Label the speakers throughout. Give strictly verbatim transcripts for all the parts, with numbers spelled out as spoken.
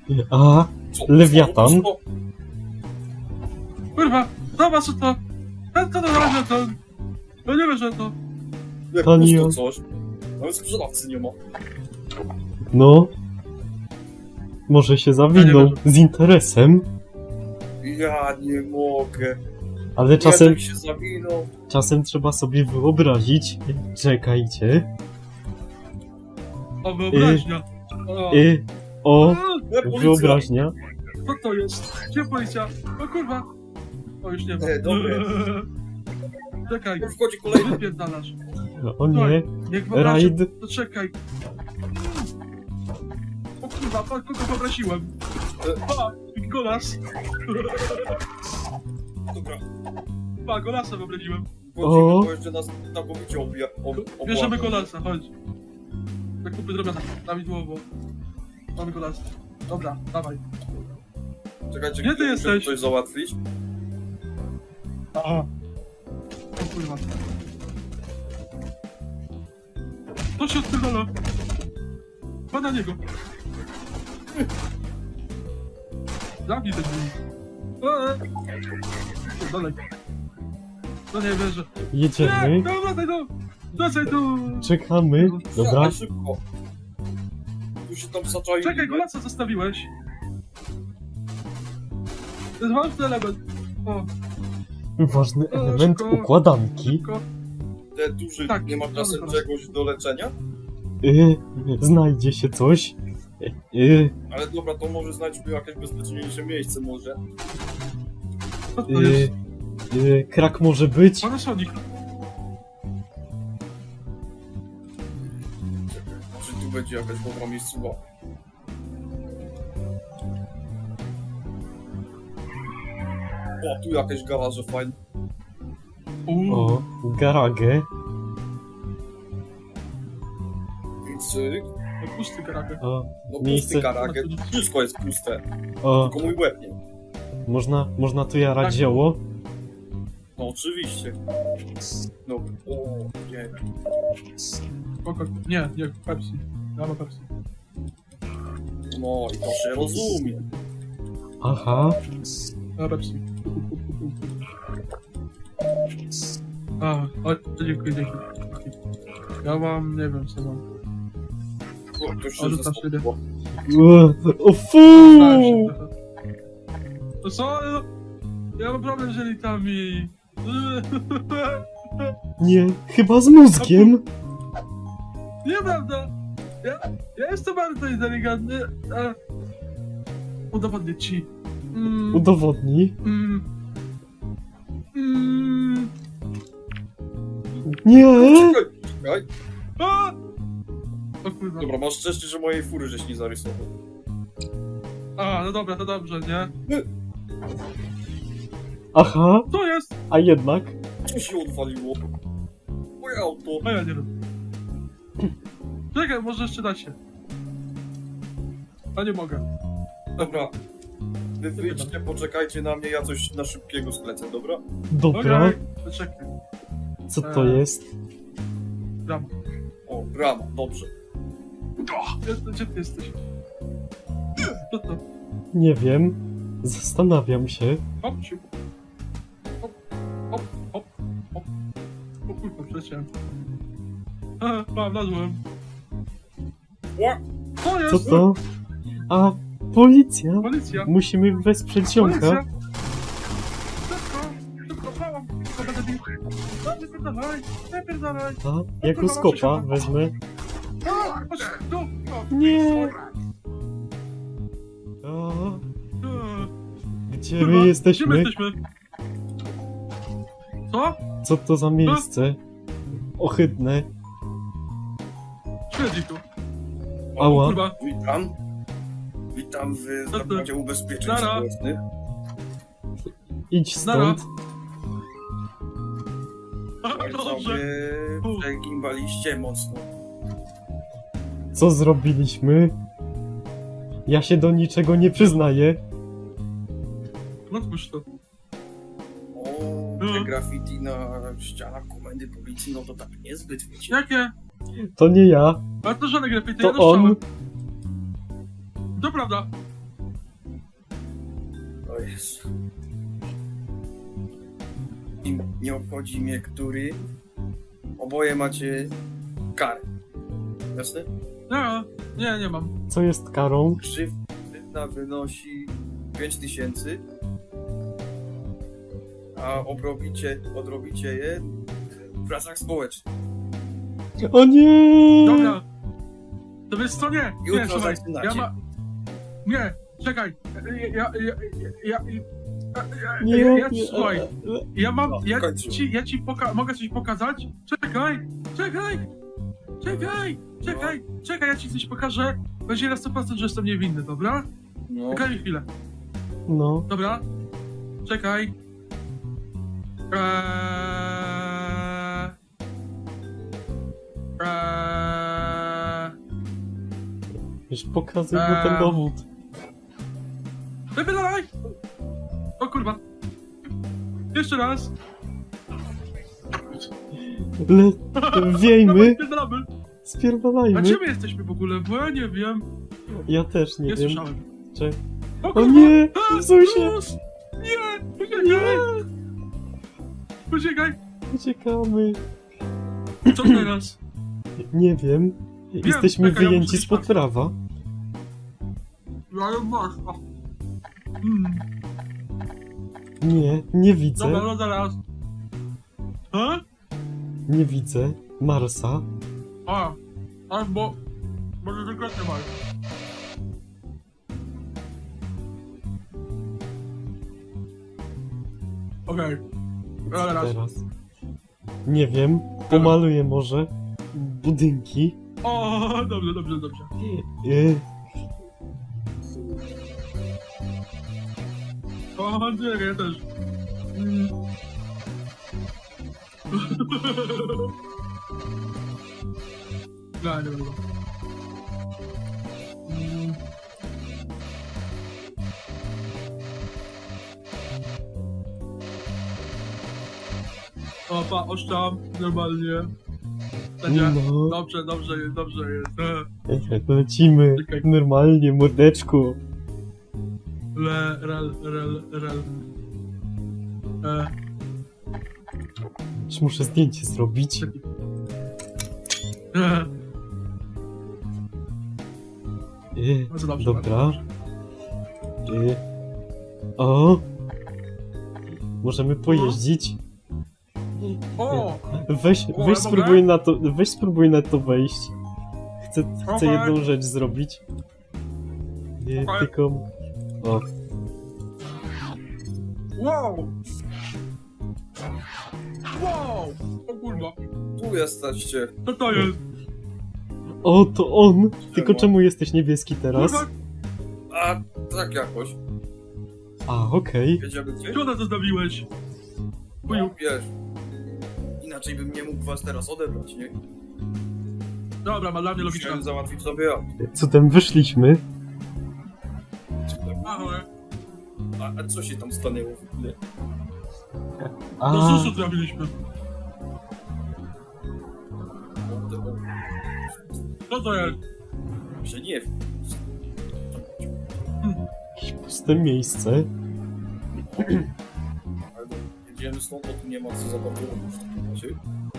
Speaker 1: A,
Speaker 2: Co?
Speaker 1: Lewiatan?
Speaker 2: Co? Co?
Speaker 3: Kurwa, zobacz co to. Ja to na to. Ja nie wiem, że to.
Speaker 2: Jak
Speaker 1: Tanion.
Speaker 2: pusto coś. Nawet sprzedawcy nie ma.
Speaker 1: No. Może się zawinął z interesem,
Speaker 2: Ja nie mogę.
Speaker 1: ale czasem,
Speaker 2: Ja się zawinął.
Speaker 1: czasem trzeba sobie wyobrazić. Czekajcie.
Speaker 3: O, wyobraźnia. O,
Speaker 1: Y, o,
Speaker 2: E, policja.
Speaker 1: wyobraźnia.
Speaker 3: co to jest? Gdzie policja? O kurwa. O, już nie ma.
Speaker 2: E, dobre.
Speaker 3: Czekaj,
Speaker 2: Tu wchodzi kolejny.
Speaker 3: wypierdalasz.
Speaker 1: O nie,
Speaker 3: Niech wyobraźnia.
Speaker 1: rajd.
Speaker 3: To czekaj. O kurwa, pa, kogo wyobraziłem? Pa, Golas.
Speaker 2: Dobra.
Speaker 3: Pa, Golasa wyobraziłem.
Speaker 2: Wchodzimy,
Speaker 1: O.
Speaker 2: bo jeszcze nas znakomicie obija. Ob,
Speaker 3: Bierzemy
Speaker 2: obłapał.
Speaker 3: Golasa, chodź. Zakupy zrobione, prawidłowo. Mamy Golasa. Dobra, dawaj.
Speaker 2: Czekajcie,
Speaker 3: Gdzie ty
Speaker 2: muszę
Speaker 3: jesteś?
Speaker 2: coś załatwić.
Speaker 3: Aha. O kurwa. To się odpierdala. Pa na niego. Zabij ten drzwi. Eee. Dalej. No nie wierzę. Nie,
Speaker 1: Jedziemy,
Speaker 3: no wracaj tu. Wracaj tu.
Speaker 1: czekamy. Dobra,
Speaker 2: Ja, szybko. Tu się tam zaczaił.
Speaker 3: Czekaj, Golasa zostawiłeś. To jest ważny element. O,
Speaker 1: ważny element
Speaker 3: szybko.
Speaker 1: układanki.
Speaker 3: szybko.
Speaker 2: Te duży,
Speaker 3: Tak,
Speaker 2: nie ma czasem
Speaker 3: dobra.
Speaker 2: czegoś do leczenia?
Speaker 1: Y, znajdzie się coś. Y,
Speaker 2: Ale dobra, to może znajdźmy jakieś bezpieczniejsze miejsce może.
Speaker 3: Co to jest?
Speaker 1: y, y, krak może być.
Speaker 3: Panasonic.
Speaker 2: Czekaj, czy tu będzie jakaś dobra miejscowa? O, tu jakieś garaże fajne.
Speaker 3: Uuu.
Speaker 1: O, garagę.
Speaker 2: Więc cyk.
Speaker 3: No, pusty karakter.
Speaker 1: O,
Speaker 2: No
Speaker 1: Miejsce.
Speaker 2: pusty garaget. Wszystko jest puste.
Speaker 1: o,
Speaker 2: Tylko mój łeb nie.
Speaker 1: można, można tu jarać
Speaker 3: Tak.
Speaker 1: zioło.
Speaker 2: No oczywiście. No, o, nie.
Speaker 3: Spoko. Nie, nie, Pepsi. Ja mam Pepsi.
Speaker 2: No i to się rozumie.
Speaker 1: Aha,
Speaker 3: Ja Pepsi. A, o, dziękuję, dziękuję. Ja mam, nie wiem co mam.
Speaker 2: O, to się
Speaker 3: Ale tam
Speaker 2: zespoło.
Speaker 1: o, o fu!
Speaker 3: Stałem się trochę. To co? No, ja mam problem z jelitami.
Speaker 1: Nie, chyba z mózgiem.
Speaker 3: Nieprawda! Ja, ja jestem bardzo inteligentny, a... Udowodnię ci. Mm,
Speaker 1: Udowodnij.
Speaker 3: mm, mm,
Speaker 1: Nie!
Speaker 2: Czekaj, czekaj.
Speaker 3: a! O kurwa.
Speaker 2: Dobra, masz szczęście, że mojej fury żeś nie zarysował.
Speaker 3: A, no dobra, to dobrze, nie?
Speaker 1: Aha,
Speaker 3: Co jest?
Speaker 1: a jednak.
Speaker 2: Co się odwaliło? Moje auto.
Speaker 3: A ja nie wiem. Czekaj, może jeszcze da się. A nie mogę.
Speaker 2: Dobra. Wy wyjdźcie, poczekajcie na mnie, ja coś na szybkiego sklecę, dobra?
Speaker 1: Dobra,
Speaker 3: Okej, to czekaj.
Speaker 1: co to jest?
Speaker 3: Gram.
Speaker 2: O, brama, dobrze.
Speaker 3: Gdzie, gdzie ty jesteś? Co to?
Speaker 1: Nie wiem. Zastanawiam się.
Speaker 3: Hop, siup. Hop, hop, hop, hop. O kurwa, przeciąłem. Aha, mam, nadłem.
Speaker 2: Ła!
Speaker 3: Co
Speaker 1: Co
Speaker 3: jest?
Speaker 1: to? A, policja.
Speaker 3: Policja.
Speaker 1: Musimy wesprzeć ziomka.
Speaker 3: Policja. Szybko, szybko, pałam. To będę bił. No, wypierdalaj, wypierdalaj.
Speaker 1: A, jako skopa wezmę.
Speaker 3: A, chodź, tu. O,
Speaker 1: Nie. A,
Speaker 3: e,
Speaker 1: gdzie
Speaker 3: kurwa,
Speaker 1: my
Speaker 3: Gdzie my
Speaker 1: jesteśmy?
Speaker 3: jesteśmy? Co?
Speaker 1: Co to za miejsce? Ohydne.
Speaker 3: Śledzi tu.
Speaker 1: Ała.
Speaker 3: Kurwa.
Speaker 2: Witam. Witam w
Speaker 3: Co to?
Speaker 2: zakładzie ubezpieczeń
Speaker 3: Nara.
Speaker 2: społecznych.
Speaker 1: Idź
Speaker 3: Nara.
Speaker 1: stąd.
Speaker 3: A,
Speaker 2: Tak
Speaker 3: dobrze.
Speaker 2: sobie przegimbaliście mocno.
Speaker 1: Co zrobiliśmy? Ja się do niczego nie przyznaję.
Speaker 3: No spójrz to.
Speaker 2: O,
Speaker 3: No.
Speaker 2: te graffiti na ścianach komendy policji, no to tak niezbyt, wiecie.
Speaker 3: Jakie?
Speaker 1: To nie ja.
Speaker 3: Ale to żadne graffiti,
Speaker 1: To
Speaker 3: ja doszczałem.
Speaker 1: on.
Speaker 3: To prawda.
Speaker 2: O Jezu. I nie obchodzi mnie, który. Oboje macie karę. Jasne?
Speaker 3: Nie, nie, nie mam.
Speaker 1: Co jest karą?
Speaker 2: Grzywna wynosi pięć tysięcy, a obrobicie, odrobicie je w pracach społecznych.
Speaker 1: O nie!
Speaker 3: Dobra. To wiesz co, nie, nie,
Speaker 2: Jutro
Speaker 3: słuchaj,
Speaker 2: zaczynacie.
Speaker 3: ja ma... Nie, czekaj, ja, ja, ja, ja, ja, ja,
Speaker 1: Nie,
Speaker 3: ja, ja,
Speaker 1: nie,
Speaker 3: słuchaj,
Speaker 1: e,
Speaker 3: ja mam,
Speaker 2: No, w
Speaker 3: ja
Speaker 2: końcu.
Speaker 3: ci, ja ci poka- mogę coś pokazać? Czekaj, czekaj, czekaj, czekaj, czekaj, ja ci coś pokażę, będzie na sto procent, że jestem niewinny, dobra?
Speaker 2: No,
Speaker 3: Czekaj mi chwilę,
Speaker 1: No,
Speaker 3: dobra? Czekaj. Eee... Eee...
Speaker 1: już pokazuj mu
Speaker 3: Eee.
Speaker 1: ten dowód.
Speaker 3: Wypylaj! O kurwa. Jeszcze raz.
Speaker 1: Le... Wiejmy,
Speaker 3: Dawaj, spierdalamy. A
Speaker 1: spierdalajmy.
Speaker 3: gdzie my jesteśmy w ogóle? Bo ja nie wiem.
Speaker 1: Ja też nie
Speaker 3: Nie
Speaker 1: wiem.
Speaker 3: słyszałem.
Speaker 1: Czy...
Speaker 3: O,
Speaker 1: O
Speaker 3: kurwa.
Speaker 1: nie!
Speaker 3: A,
Speaker 1: Zusie!
Speaker 3: Sus! Nie! Poczekaj! Poczekaj!
Speaker 1: Uciekamy.
Speaker 3: Co teraz?
Speaker 1: Nie wiem. Jesteśmy
Speaker 3: czekaj, ja
Speaker 1: wyjęci
Speaker 3: muszę
Speaker 1: spod
Speaker 3: iść
Speaker 1: prawa.
Speaker 3: Ja ją masz. O. Mm.
Speaker 1: Nie, nie widzę.
Speaker 3: Dobra, no zaraz. A?
Speaker 1: Nie widzę Marsa.
Speaker 3: A. Albo... Może dokładnie masz. Okej. Okay. Teraz.
Speaker 1: Teraz. Nie wiem. Pomaluję może budynki.
Speaker 3: O, dobrze, dobrze, dobrze.
Speaker 1: Y,
Speaker 3: O, nie, ja też. Mm. No, nie będę. Mm. O, pa, oszczam, normalnie. Będzie.
Speaker 1: no,
Speaker 3: Dobrze, dobrze jest, dobrze jest. E,
Speaker 1: lecimy.
Speaker 3: Czekaj.
Speaker 1: Normalnie, mordeczku.
Speaker 3: Le, rel, rel, rel. E,
Speaker 1: Już muszę zdjęcie zrobić.
Speaker 3: e,
Speaker 1: Y,
Speaker 3: bardzo dobrze.
Speaker 1: dobra. Y, o! Możemy pojeździć.
Speaker 3: O!
Speaker 1: Weź,
Speaker 3: O,
Speaker 1: weź
Speaker 3: ja
Speaker 1: spróbuj na to, weź spróbuj na to wejść. Chcę, chcę
Speaker 3: Okej.
Speaker 1: jedną rzecz zrobić. Nie,
Speaker 3: Okej.
Speaker 1: tylko... O,
Speaker 3: Wow! Wow! O kurwa,
Speaker 2: tu jesteście.
Speaker 3: co to jest?
Speaker 1: o, to on! Tylko
Speaker 2: Czemu?
Speaker 1: czemu jesteś niebieski teraz?
Speaker 3: Kurwa,
Speaker 2: A, tak jakoś.
Speaker 1: A, okej.
Speaker 2: Jedziemy gdzieś?
Speaker 3: co to zostawiłeś?
Speaker 2: No, wiesz. Inaczej bym nie mógł was teraz odebrać, nie?
Speaker 3: Dobra, ma dla mnie logiczne.
Speaker 2: Musiałem załatwić sobie ja.
Speaker 1: Cudem wyszliśmy.
Speaker 3: Ahoj.
Speaker 2: A, a co się tam stanęło w ogóle?
Speaker 3: Do
Speaker 1: A,
Speaker 3: susu trafiliśmy.
Speaker 2: No, to-
Speaker 3: Co to jest?
Speaker 2: Że nie wiem.
Speaker 1: jakieś puste miejsce.
Speaker 2: Ale jedziemy stąd, bo tu nie ma co za bardzo robić w takim razie.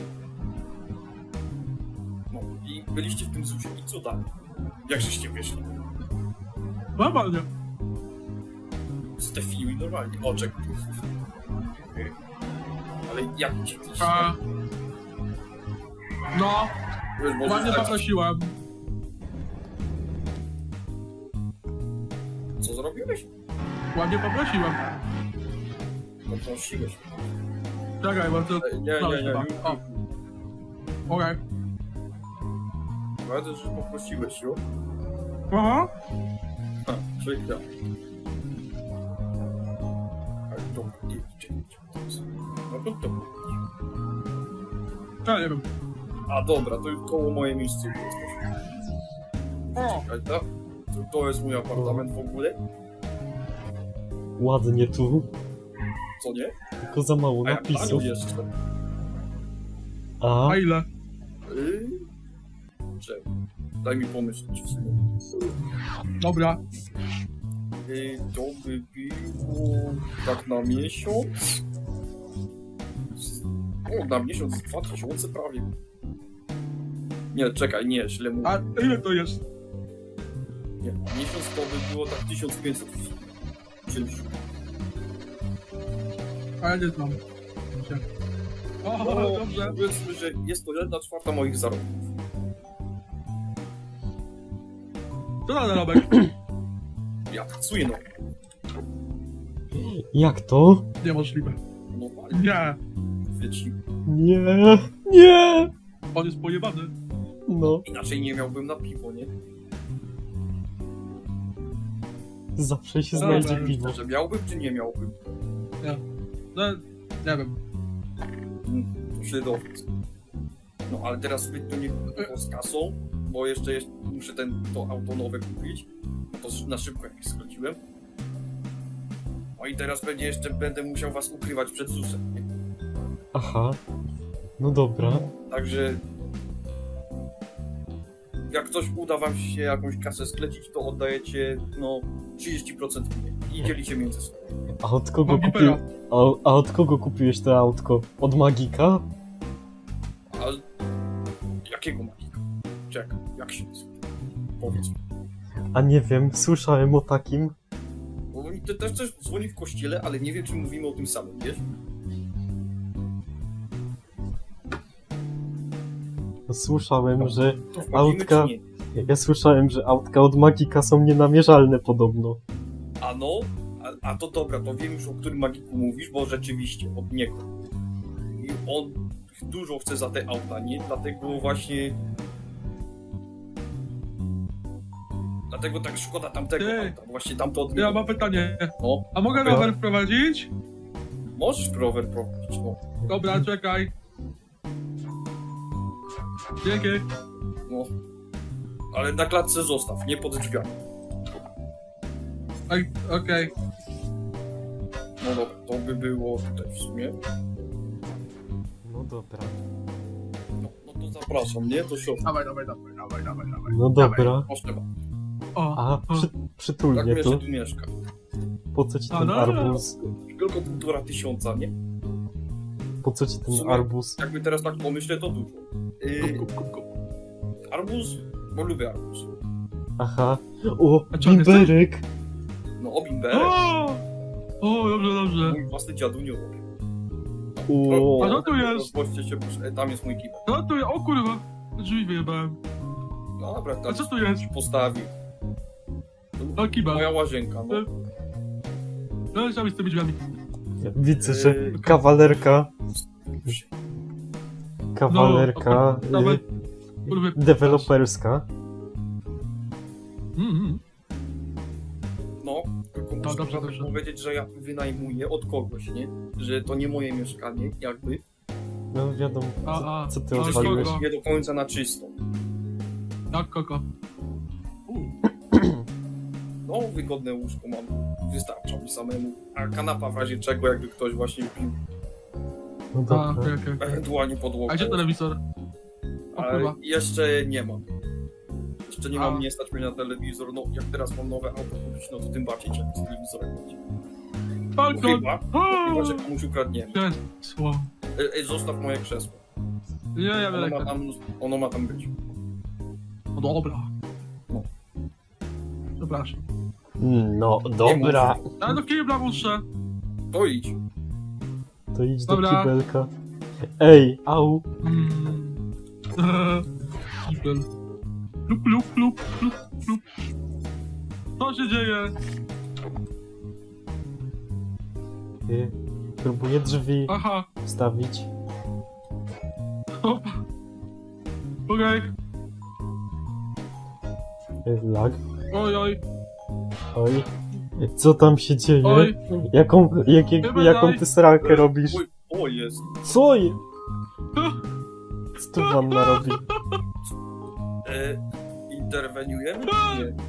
Speaker 2: No i byliście w tym zusie i co dalej? Jak żeście wyszli?
Speaker 3: Normalnie.
Speaker 2: Stefiły normalnie. O, czekaj. Okej. Ale jak ci ktoś...
Speaker 3: A... No,
Speaker 2: Wiesz, może
Speaker 3: ładnie
Speaker 2: tak,
Speaker 3: poprosiłem.
Speaker 2: co zrobiłeś?
Speaker 3: Ładnie poprosiłem.
Speaker 2: Poprosiłeś.
Speaker 3: Czekaj, bo to...
Speaker 2: Ej, Nie, nie, nie.
Speaker 3: O. Okej.
Speaker 2: Powiedzę, że poprosiłeś ją.
Speaker 3: Aha.
Speaker 2: Ha, przykro. Ale to... nie, czekaj, czekaj. No to to...
Speaker 3: Ja nie wiem.
Speaker 2: A dobra, to już koło moje miejsce jesteś.
Speaker 3: O!
Speaker 2: Czekaj, tak? To, to jest mój apartament w ogóle?
Speaker 1: Ładnie tu.
Speaker 2: Co nie?
Speaker 1: Tylko za mało
Speaker 2: A ja
Speaker 1: napisów.
Speaker 2: panu jeszcze.
Speaker 1: A,
Speaker 3: A ile?
Speaker 2: Yy... Czekaj. Daj mi pomyśleć w sumie.
Speaker 3: Dobra.
Speaker 2: Y, to by było tak na miesiąc. O, na miesiąc dwa tysiące prawie. Nie, czekaj, nie, źle mówię.
Speaker 3: A ile to jest?
Speaker 2: Nie, miesiąc to by było tak tysiąc pięćset. Czymś.
Speaker 3: A ja nie znam. O,
Speaker 2: No,
Speaker 3: dobrze.
Speaker 2: powiedzmy, że jest to jedna czwarta moich zarobków.
Speaker 3: To na zarobek.
Speaker 2: Ja pracuję no,
Speaker 1: Jak to?
Speaker 3: Niemożliwe.
Speaker 2: normalnie,
Speaker 3: Nie.
Speaker 2: wiecie.
Speaker 1: Nie, nie!
Speaker 3: On jest pojebany.
Speaker 1: No,
Speaker 2: Inaczej nie miałbym na piwo, nie?
Speaker 1: zawsze się
Speaker 3: Dobra.
Speaker 1: znajdzie piwo.
Speaker 2: Że miałbym, czy nie miałbym?
Speaker 3: No, nie wiem.
Speaker 2: Mm, to się dowiedz. No, ale teraz zbyt to nie było z kasą, bo jeszcze jest, muszę ten, to auto nowe kupić. To na szybko jak skróciłem. No i teraz pewnie jeszcze będę musiał was ukrywać przed ZUS-em, nie?
Speaker 1: Aha. No dobra.
Speaker 2: Także jak coś uda wam się jakąś kasę sklecić, to oddajecie no trzydzieści procent mnie i dzielicie między sobą.
Speaker 1: A od kogo
Speaker 3: Mam
Speaker 1: kupił...
Speaker 3: gipera.
Speaker 1: A, a od kogo kupiłeś to autko? Od Magika?
Speaker 2: A jakiego magika? Czekaj, jak się nazywa? Powiedz mi.
Speaker 1: A nie wiem, słyszałem o takim.
Speaker 2: Bo mi te- też coś dzwoni w kościele, ale nie wiem, czy mówimy o tym samym, wiesz?
Speaker 1: Słyszałem, że...
Speaker 2: To wchodzimy,
Speaker 1: Autka.
Speaker 2: czy nie?
Speaker 1: Ja słyszałem, że autka od Magika są nienamierzalne podobno.
Speaker 2: A no, a, a to dobra, to wiem już, o którym magiku mówisz, bo rzeczywiście od niego. I on dużo chce za te auta, nie? Dlatego właśnie... Dlatego tak szkoda tamtego
Speaker 3: Ty.
Speaker 2: auta, właśnie tamto od
Speaker 3: Ja
Speaker 2: niego.
Speaker 3: mam pytanie.
Speaker 2: No,
Speaker 3: A mogę
Speaker 2: Dobra.
Speaker 3: rower wprowadzić?
Speaker 2: możesz rower prowadzić, no.
Speaker 3: Dobra, czekaj. Dzięki.
Speaker 2: no. Ale na klatce zostaw, nie pod drzwiami.
Speaker 3: Oj, okej.
Speaker 2: No dobra, to by było tutaj w sumie.
Speaker 1: No dobra.
Speaker 2: No, no to zapraszam, nie? Do środka.
Speaker 3: Dawaj, dawaj, dawaj, dawaj, dawaj, dawaj.
Speaker 1: No dobra.
Speaker 2: Proszę bardzo.
Speaker 3: O,
Speaker 1: A, przy,
Speaker 2: Tak
Speaker 1: przytulnie
Speaker 2: wiesz,
Speaker 1: to.
Speaker 2: że tu mieszka.
Speaker 1: Po co ci
Speaker 3: A,
Speaker 1: ten
Speaker 3: no,
Speaker 1: arbuz?
Speaker 2: Tylko półtora tysiąca, nie?
Speaker 1: Po co ci
Speaker 2: W
Speaker 1: ten
Speaker 2: sumie-
Speaker 1: arbuz?
Speaker 2: Jakby teraz tak pomyślę, to dużo. Yy,
Speaker 3: kup, kup, kup, kup.
Speaker 2: arbuz, bo lubię arbuz.
Speaker 1: Aha. O,
Speaker 3: A czy on jest
Speaker 1: bimberek!
Speaker 2: No, obimberek.
Speaker 3: O! O, dobrze, dobrze.
Speaker 2: Mój własny dziadunio robi.
Speaker 1: O,
Speaker 3: A co tu jest?
Speaker 2: Rozpoczcie się, proszę. Tam jest mój kibel.
Speaker 3: No tu, o kurwa. Drzwi wyjebałem.
Speaker 2: No dobra, tam
Speaker 3: A co tu jest?
Speaker 2: postawił.
Speaker 3: O, kibel.
Speaker 2: Moja łazienka, no.
Speaker 3: No, co mi z tymi drzwiami?
Speaker 1: widzę, że
Speaker 2: Yy,
Speaker 1: kawalerka, kawalerka
Speaker 3: No, nawet-
Speaker 1: y,
Speaker 3: kurwa.
Speaker 1: deweloperska.
Speaker 3: Mm, mm.
Speaker 2: No, tylko muszę
Speaker 3: dobrze,
Speaker 2: trochę
Speaker 3: dobrze.
Speaker 2: powiedzieć, że ja wynajmuję od kogoś, nie? Że to nie moje mieszkanie, jakby.
Speaker 1: No wiadomo,
Speaker 3: A,
Speaker 1: co,
Speaker 3: a,
Speaker 1: co ty
Speaker 3: a,
Speaker 2: To
Speaker 1: odwaliłeś.
Speaker 3: kogo?
Speaker 2: jest nie do końca na czysto.
Speaker 3: Jak koko. U,
Speaker 2: No, wygodne łóżko mam. Wystarcza mi samemu. A kanapa w razie czego, jakby ktoś właśnie pił.
Speaker 1: No
Speaker 3: a,
Speaker 1: dobra.
Speaker 3: okej, okej, okej.
Speaker 2: Ewentualnie podłogę.
Speaker 3: A gdzie telewizor? O
Speaker 2: Ale
Speaker 3: kurwa.
Speaker 2: jeszcze nie mam. Jeszcze nie
Speaker 3: A.
Speaker 2: mam, nie stać mnie na telewizor. No, jak teraz mam nowe auto kupić, no to tym bardziej trzeba z telewizorem będzie. No,
Speaker 3: Balkon!
Speaker 2: chyba,
Speaker 3: O!
Speaker 2: chyba, że komuś ukradniemy.
Speaker 3: Krzesło.
Speaker 2: Ej, ej, zostaw moje krzesło.
Speaker 3: Nie, ja
Speaker 2: Ono
Speaker 3: biorę
Speaker 2: ma
Speaker 3: ten.
Speaker 2: tam, ono ma tam być.
Speaker 3: No dobra.
Speaker 2: No.
Speaker 3: Przepraszam.
Speaker 1: No dobra.
Speaker 3: Ale do kibla muszę.
Speaker 2: To idź.
Speaker 1: To idź do
Speaker 3: Dobra.
Speaker 1: kibelka. Ej, au.
Speaker 3: Mm. Eee, Kibel. Lup, lup, lup, lup, lup. Co się dzieje?
Speaker 1: Y, próbuję drzwi
Speaker 3: Aha.
Speaker 1: wstawić.
Speaker 3: Hop. Okej.
Speaker 1: Y, lag.
Speaker 3: Oj, oj,
Speaker 1: Oj. Co tam się dzieje?
Speaker 3: oj.
Speaker 1: Jaką, jak, jak,
Speaker 3: Chyba
Speaker 1: jaką
Speaker 3: daj.
Speaker 1: ty sralkę robisz?
Speaker 2: Oj, o jest.
Speaker 1: Co je? Co tu wanna robi?
Speaker 2: E, interweniujemy czy nie?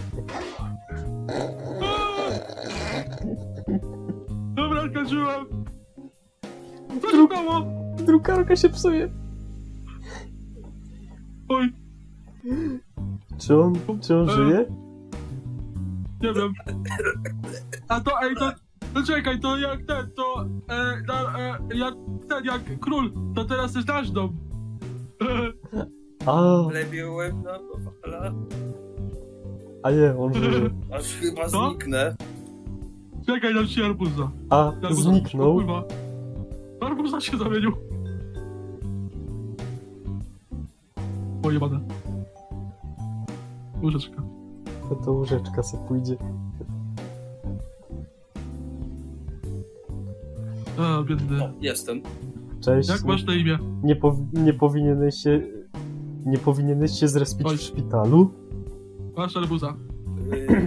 Speaker 3: Dobra, skończyłem. Co się stało?
Speaker 1: Drukarka się psuje.
Speaker 3: Oj.
Speaker 1: Czy on, czy on
Speaker 3: E.
Speaker 1: żyje?
Speaker 3: Nie wiem. A to, ej, to... No czekaj, to jak ten, to... E, na, e, jak ten, jak król, to teraz jest nasz dom.
Speaker 1: A,
Speaker 2: Plebiłem na Kowala,
Speaker 1: a nie, on żyje.
Speaker 2: aż chyba
Speaker 3: Co?
Speaker 2: zniknę.
Speaker 3: Czekaj, dam ci arbuza.
Speaker 1: A,
Speaker 3: Arbuza,
Speaker 1: zniknął.
Speaker 3: o kurwa. Arbuza się zamienił. Pojebane. Łyżeczka.
Speaker 1: No to łóżeczka se pójdzie.
Speaker 3: A, biedny.
Speaker 2: No, jestem.
Speaker 1: Cześć.
Speaker 3: Jak masz na imię?
Speaker 1: Nie, powi- nie powinieneś się... Nie powinieneś się zrespić
Speaker 3: Oj.
Speaker 1: w szpitalu?
Speaker 3: Masz arbuza.
Speaker 2: Yy...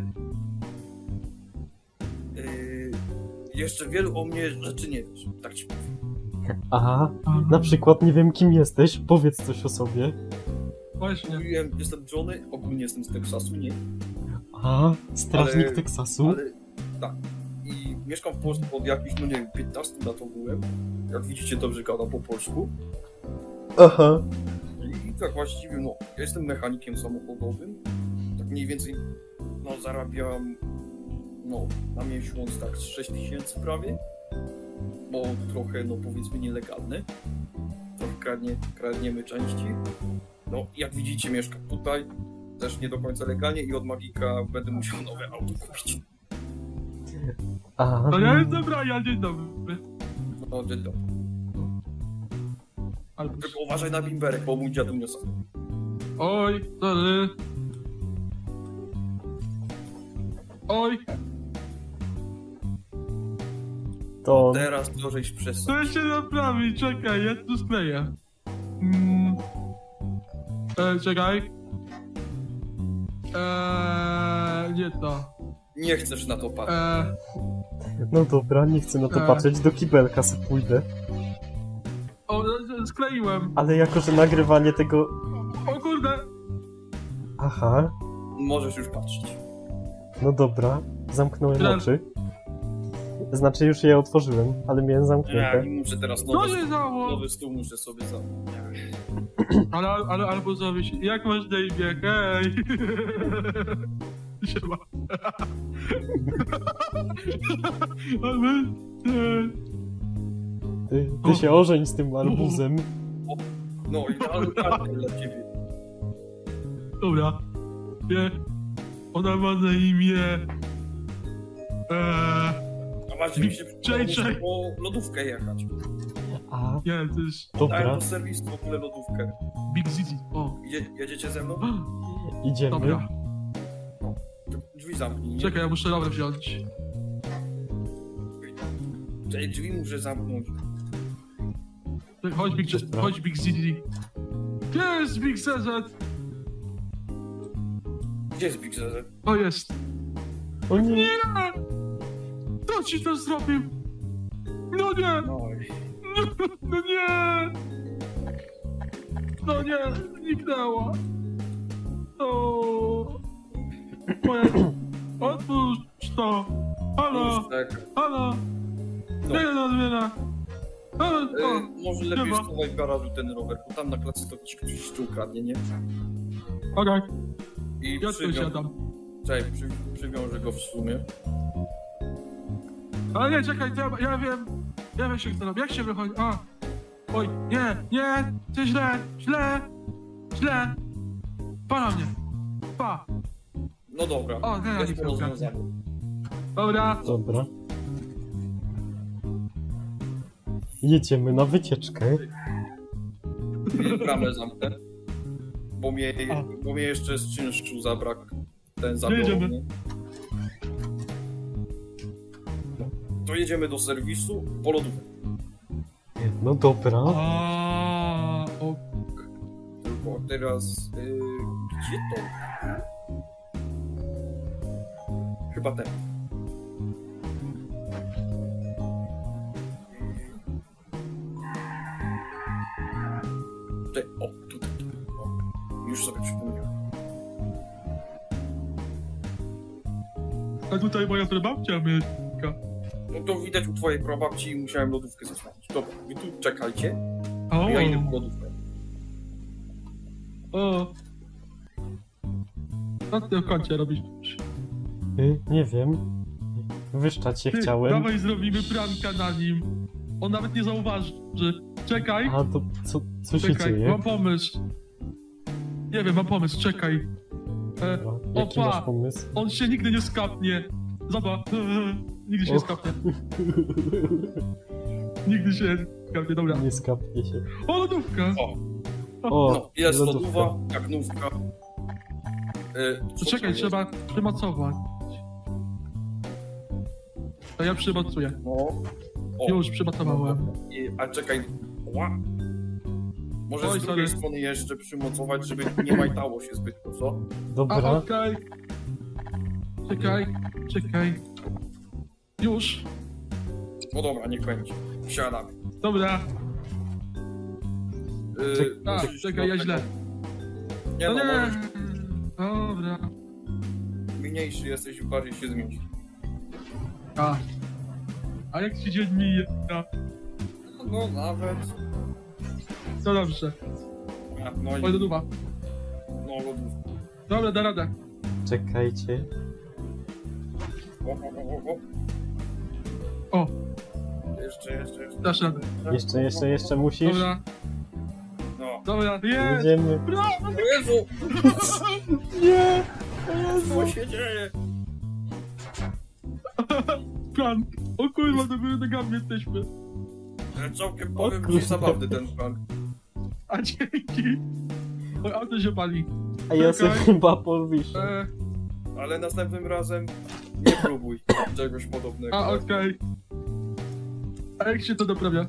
Speaker 2: Yy... Jeszcze wielu o mnie rzeczy nie wiesz, tak ci powiem.
Speaker 1: Aha,
Speaker 3: A,
Speaker 1: na przykład nie wiem kim jesteś, powiedz coś o sobie.
Speaker 3: Właśnie.
Speaker 2: Mówiłem, jestem Johnny, ogólnie jestem z Teksasu, nie?
Speaker 1: A, strażnik
Speaker 2: Ale-
Speaker 1: Teksasu?
Speaker 2: Ale tak. I mieszkam w Polsce od jakichś, no nie wiem, piętnastu lat ogółem. Jak widzicie, dobrze gadam po polsku.
Speaker 1: Aha.
Speaker 2: I tak właściwie, no, ja jestem mechanikiem samochodowym. Tak mniej więcej, no, zarabiam, no, na miesiąc tak z sześć tysięcy prawie. Bo trochę, no, powiedzmy, nielegalne. Trochę kradnie, kradniemy części. No, jak widzicie, mieszkam tutaj. Też nie do końca legalnie i od Magika będę musiał nowe auto kupić.
Speaker 1: A,
Speaker 3: No ja jestem Brian, dzień dobry.
Speaker 2: No, dzień dobry.
Speaker 3: Albus.
Speaker 2: Tylko uważaj na bimberek, bo mój dziadu niosł.
Speaker 3: Oj, sorry. Oj,
Speaker 1: to...
Speaker 2: Teraz to żeś przestał.
Speaker 3: to się naprawi, czekaj, ja tu skleję. Mm. E, czekaj. Eee, nie to.
Speaker 2: Nie chcesz na to patrzeć.
Speaker 3: Eee,
Speaker 1: No dobra, nie chcę na to
Speaker 3: E.
Speaker 1: patrzeć, do kibelka se pójdę.
Speaker 3: o, e, skleiłem.
Speaker 1: Ale jako, że nagrywanie tego...
Speaker 3: O kurde.
Speaker 1: Aha,
Speaker 2: Możesz już patrzeć.
Speaker 1: no dobra, zamknąłem
Speaker 3: Teraz-
Speaker 1: oczy. Znaczy już je otworzyłem, ale miałem
Speaker 2: Ja
Speaker 1: zamknięte.
Speaker 2: i muszę teraz
Speaker 3: To
Speaker 2: nowy,
Speaker 3: się dało.
Speaker 2: nowy stół muszę sobie zamówić.
Speaker 3: Ale, ale, albo zrobić. Jak masz na imię? Hej. Siema. Ale... e,
Speaker 1: Ty, ty się ożeń z tym arbuzem.
Speaker 2: No i idealnie dla ciebie.
Speaker 3: Dobra. Nie. Ona ma na imię... Eee,
Speaker 2: A masz mi się
Speaker 3: Czekaj, czekaj.
Speaker 2: po lodówkę jechać.
Speaker 1: A,
Speaker 3: nie, to jest
Speaker 2: Daję
Speaker 1: dobra,
Speaker 2: do serwisu w ogóle lodówkę.
Speaker 3: Big Zizi. O.
Speaker 2: Jedzie, jedziecie ze mną?
Speaker 1: idziemy.
Speaker 3: Dobra.
Speaker 2: Drzwi zamknij. nie?
Speaker 3: Czekaj, ja muszę rower wziąć.
Speaker 2: Czekaj, drzwi muszę zamknąć.
Speaker 3: Chodź Big,
Speaker 1: Dobra.
Speaker 3: chodź Big Zizi. Gdzie jest Big Z Z?
Speaker 2: Gdzie jest Big Z Z?
Speaker 3: O, jest.
Speaker 1: O nie,
Speaker 3: Nie! Kto ci to zrobił? No nie!
Speaker 2: No i...
Speaker 3: No nie! No nie! Zniknęła! O! Moja... Otwórz to! Halo!
Speaker 2: Już tak.
Speaker 3: Halo!
Speaker 2: No.
Speaker 3: Nie do odmiana! Halo!
Speaker 2: E,
Speaker 3: O!
Speaker 2: może lepiej
Speaker 3: Siema.
Speaker 2: schowaj w garażu ten rower, bo tam na klasie to ci ktoś jeszcze ukradnie, nie?
Speaker 3: Okej,
Speaker 2: I
Speaker 3: ja tu
Speaker 2: przywią...
Speaker 3: siadam.
Speaker 2: Czekaj, przy... przywiążę go w sumie.
Speaker 3: Ale nie, czekaj, ja, ja wiem... Ja wiem się, kto robi. Jak się wychodzi? A! Oj, nie, nie! To źle! Źle! Źle! Pa na mnie! Pa!
Speaker 2: No dobra,
Speaker 3: O, nie,
Speaker 2: jest
Speaker 3: nie
Speaker 2: to
Speaker 3: ukradnie.
Speaker 2: rozwiązane.
Speaker 3: Dobra!
Speaker 1: dobra. Jedziemy na wycieczkę.
Speaker 2: Bramę zamknę. Bo mnie,
Speaker 1: A.
Speaker 2: bo mnie jeszcze z czynszu zabrak ten zabiorą,
Speaker 3: Jedziemy.
Speaker 2: nie? No, to jedziemy do serwisu po lodówkę.
Speaker 1: No dobra.
Speaker 3: A, o,
Speaker 2: Tylko teraz... Yy, gdzie to? Chyba ten. Tutaj, o, tutaj. O, już sobie przypomniałem.
Speaker 3: a tutaj moja prababcia mieszka.
Speaker 2: No to widać u twojej prababci i musiałem lodówkę zasłonić. Dobra, wy tu czekajcie,
Speaker 3: O,
Speaker 2: ja idę po lodówkę.
Speaker 3: o. Co ty w kącie robisz?
Speaker 1: Y, nie wiem. Wyszczać się
Speaker 3: Ty,
Speaker 1: chciałem.
Speaker 3: dawaj zrobimy pranka na nim. On nawet nie zauważy. Czekaj,
Speaker 1: A to co, co się
Speaker 3: czekaj,
Speaker 1: dzieje?
Speaker 3: mam pomysł. Nie wiem, mam pomysł, czekaj. E,
Speaker 1: A, jaki
Speaker 3: opa.
Speaker 1: masz pomysł?
Speaker 3: on się nigdy nie skapnie. Zobacz, nigdy się nie
Speaker 1: Och.
Speaker 3: skapnie. Nigdy się nie skapnie, dobra.
Speaker 1: Nie skapnie się.
Speaker 3: O, lodówka.
Speaker 2: O,
Speaker 1: O,
Speaker 2: no, jest
Speaker 1: lodówka.
Speaker 2: lodowa, jak nówka. Yy,
Speaker 3: To czekaj, trzeba przymocować. To ja przymocuję.
Speaker 2: No. O,
Speaker 3: Już przymocowałem.
Speaker 2: i, a czekaj. Ła. Może
Speaker 3: Oj,
Speaker 2: z drugiej
Speaker 3: sorry.
Speaker 2: strony jeszcze przymocować, żeby nie majtało się zbyt dużo.
Speaker 3: A,
Speaker 1: Dobra.
Speaker 3: okej. Czekaj, czekaj. Już.
Speaker 2: No dobra, niech będzie. Wsiadamy.
Speaker 3: Dobra.
Speaker 2: Yy,
Speaker 1: Czek-
Speaker 3: A,
Speaker 2: musisz
Speaker 3: czekaj, ja
Speaker 2: do
Speaker 3: źle.
Speaker 2: tego- Nie
Speaker 3: No
Speaker 2: no,
Speaker 3: nie.
Speaker 2: możesz
Speaker 3: Dobra.
Speaker 2: mniejszy jesteś, bardziej się zmieści.
Speaker 3: A. A jak ci dzień mija?
Speaker 2: No nawet.
Speaker 3: No dobrze.
Speaker 2: A, no i
Speaker 3: Oj, do duba.
Speaker 2: no lodówka.
Speaker 3: Dobra, da radę.
Speaker 1: Czekajcie.
Speaker 2: O, o, o, o.
Speaker 3: O,
Speaker 2: Jeszcze, jeszcze, jeszcze.
Speaker 3: dasz radę.
Speaker 1: Jeszcze, jeszcze, jeszcze musisz.
Speaker 3: Dobra,
Speaker 2: No.
Speaker 3: dobra, jest!
Speaker 1: Jedziemy.
Speaker 3: Brawo!
Speaker 2: O Jezu!
Speaker 1: Nie!
Speaker 2: Co się dzieje?
Speaker 3: Prank! O kurwa, do góry nogami jesteśmy.
Speaker 2: Całkiem
Speaker 1: O
Speaker 2: powiem
Speaker 1: kurde.
Speaker 2: ci zabawny ten prank.
Speaker 3: A dzięki. Oj, auto się pali.
Speaker 1: A ja sobie
Speaker 3: Czekaj.
Speaker 1: chyba powiszę.
Speaker 3: E,
Speaker 2: Ale następnym razem nie próbuj czegoś podobnego.
Speaker 3: a, okej. A jak się to naprawia?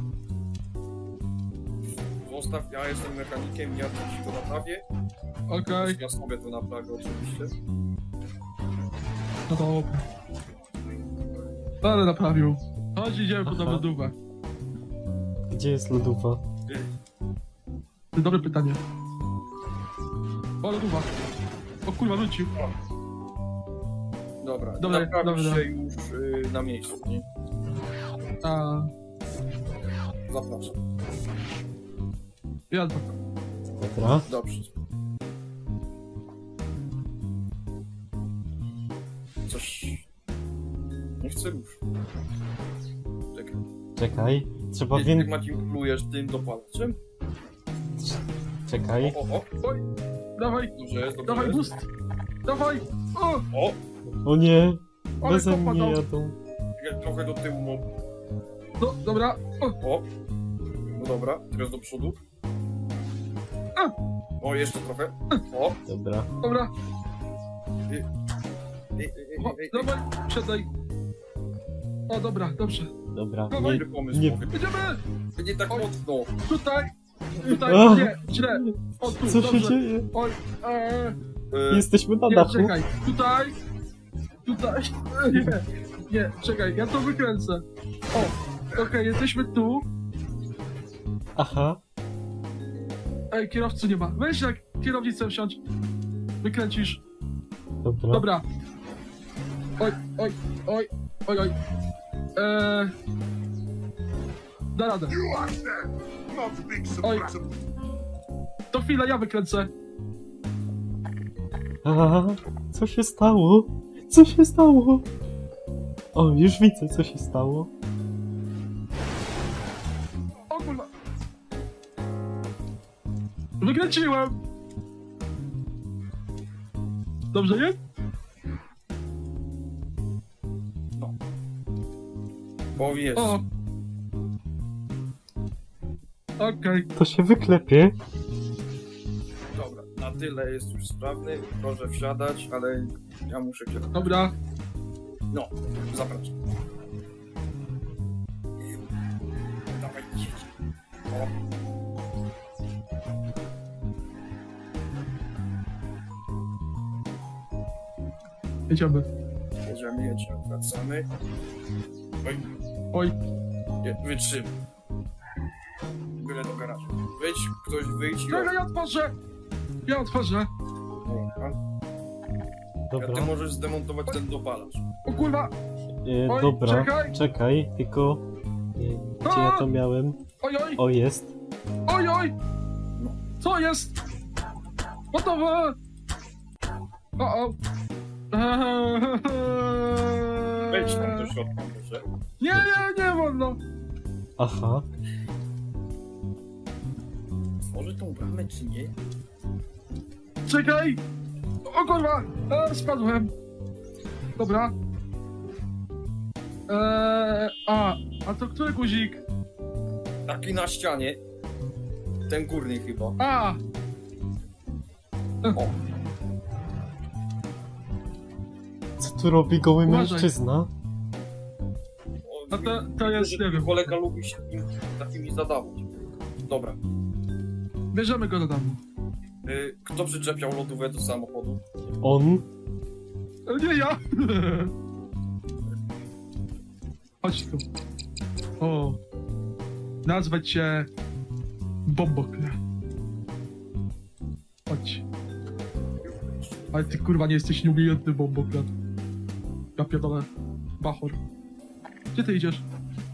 Speaker 2: Zostaw, ja jestem mechanikiem, ja ci to naprawię.
Speaker 3: Okej.
Speaker 2: Ja sobie to naprawię oczywiście.
Speaker 3: No dobra. Ale naprawił. Chodź, idziemy po
Speaker 1: Aha.
Speaker 3: tą lodówkę.
Speaker 1: Gdzie jest lodówa?
Speaker 3: To dobre pytanie. O, lodówa. O kurwa, wrócił.
Speaker 2: Dobra,
Speaker 3: Dobra,
Speaker 2: naprawisz
Speaker 3: dobra,
Speaker 2: się
Speaker 3: dobra.
Speaker 2: już y, na miejscu, nie?
Speaker 3: A,
Speaker 2: Zapraszam.
Speaker 3: jadę.
Speaker 1: Dobra.
Speaker 2: Dobrze. Coś... Nie chcę już. Czekaj.
Speaker 1: Czekaj. Trzeba
Speaker 2: Jak
Speaker 1: więcej.
Speaker 2: manipulujesz tym dopalaczem?
Speaker 1: Czekaj.
Speaker 2: O, o, o.
Speaker 3: Oj, dawaj,
Speaker 2: Dobrze jest, dobrze
Speaker 3: dawaj
Speaker 2: jest.
Speaker 3: boost. Dawaj. O,
Speaker 2: O!
Speaker 1: O nie!
Speaker 3: ale
Speaker 1: Beze
Speaker 3: kopa
Speaker 1: mnie
Speaker 3: dał.
Speaker 1: jadą.
Speaker 2: Czekaj, trochę do tyłu, no.
Speaker 3: No, dobra. O,
Speaker 2: O! No dobra, teraz do przodu.
Speaker 3: A.
Speaker 2: O, jeszcze trochę. O!
Speaker 1: Dobra.
Speaker 3: dobra.
Speaker 2: Ej, ej, ej,
Speaker 3: O,
Speaker 2: ej, ej.
Speaker 3: dawaj, siadaj. O, dobra, dobrze.
Speaker 1: Dobra.
Speaker 3: Dawaj.
Speaker 1: Nie,
Speaker 2: Dobry pomysł,
Speaker 1: nie-
Speaker 2: nie.
Speaker 3: Idziemy.
Speaker 2: Nie tak
Speaker 3: Oj.
Speaker 2: mocno.
Speaker 3: Tutaj. Tutaj,
Speaker 1: A.
Speaker 3: nie, źle. O, tu,
Speaker 1: co
Speaker 3: dobrze.
Speaker 1: się dzieje?
Speaker 3: Oj, eee,
Speaker 2: E,
Speaker 1: Jesteśmy na
Speaker 3: nie,
Speaker 1: dachu.
Speaker 3: czekaj. Tutaj. Tutaj. Nie, nie, czekaj, ja to wykręcę. O, okej, jesteśmy tu.
Speaker 1: Aha.
Speaker 3: Ej, kierowcy nie ma. Weź jak kierownicę wsiądź. Wykręcisz.
Speaker 1: Dobra.
Speaker 3: Dobra. Oj, oj, oj, oj, oj. Eee... Da radę. Oj. To chwilę, ja wykręcę.
Speaker 1: A, co się stało? Co się stało? O, już widzę, co się stało.
Speaker 3: O kurwa. Wykręciłem. Dobrze jest?
Speaker 2: Powiedz.
Speaker 3: O. Okej.
Speaker 1: To się wyklepie.
Speaker 2: Dobra, na tyle jest już sprawny. Proszę wsiadać, ale ja muszę kierować.
Speaker 3: Dobra.
Speaker 2: No, zapraszam. Dawaj, jedź. O.
Speaker 3: Jedziemy.
Speaker 2: Jedziemy, jedziemy, wracamy. Oj,
Speaker 3: Oj.
Speaker 2: nie, wytrzymaj. Byle do garażu. Wyjdź, ktoś wyjdź i...
Speaker 3: Czekaj, ja otworzę. Ja otworzę.
Speaker 2: Dobra. Ja ty
Speaker 1: Dobra.
Speaker 2: możesz zdemontować ten dopalacz.
Speaker 3: O kurwa.
Speaker 1: E,
Speaker 3: Oj,
Speaker 1: dobra.
Speaker 3: czekaj.
Speaker 1: Czekaj, tylko... E, gdzie ja to miałem?
Speaker 3: Oj, oj.
Speaker 1: O, jest.
Speaker 3: Oj, oj. Co jest? Gotowe. O, o.
Speaker 2: Wejdź tam do środka, proszę.
Speaker 3: Nie, nie, nie wolno.
Speaker 1: Aha.
Speaker 2: Otworzy tą bramę, czy nie?
Speaker 3: Czekaj. O kurwa, e, spadłem. Dobra. Eee, a, a to który guzik?
Speaker 2: Taki na ścianie. Ten górny chyba.
Speaker 3: A,
Speaker 2: O,
Speaker 1: Co tu robi goły
Speaker 3: Uważaj.
Speaker 1: mężczyzna?
Speaker 2: o
Speaker 3: no to, to jest, nie wiem.
Speaker 2: kolega lubi się im, takimi zadawać. Dobra.
Speaker 3: Bierzemy go do domu.
Speaker 2: Y, kto przyczepiał lodówkę do samochodu?
Speaker 1: On?
Speaker 3: E, Nie ja. Chodź tu. O. Nazwać cię Bombokle. Chodź. Ale ty kurwa nie jesteś nieumiejętny Bombokle. Ja pierdolę. Bachor. Gdzie ty idziesz?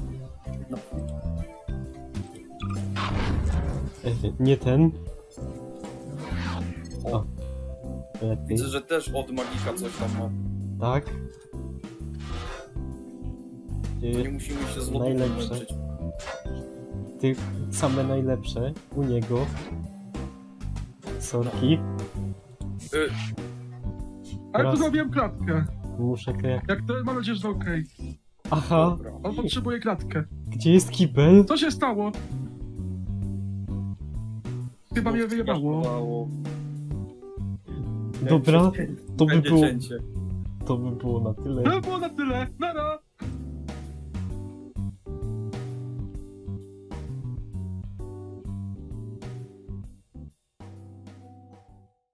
Speaker 1: E, nie ten.
Speaker 2: O,
Speaker 1: Lepiej.
Speaker 2: widzę, że też od magika coś tam ma.
Speaker 1: Tak.
Speaker 2: Nie
Speaker 1: Ty,
Speaker 2: musimy się z lodówką
Speaker 1: Najlepsze.
Speaker 2: męczyć.
Speaker 1: ty same najlepsze u niego. Sorki.
Speaker 2: Y,
Speaker 3: Ale tu
Speaker 1: Teraz-
Speaker 3: zrobiłem klatkę.
Speaker 1: Muszę kre...
Speaker 3: Jak to mam nadzieję, że okej.
Speaker 1: Aha.
Speaker 2: dobra.
Speaker 3: On potrzebuje klatkę.
Speaker 1: Gdzie jest kibel?
Speaker 3: Co się stało? Chyba mnie wyjebało.
Speaker 2: Wyjebało.
Speaker 1: Dobra, to by
Speaker 2: Będzie
Speaker 1: było,
Speaker 2: cięcie.
Speaker 1: to by było na tyle.
Speaker 3: To było na tyle. Nara.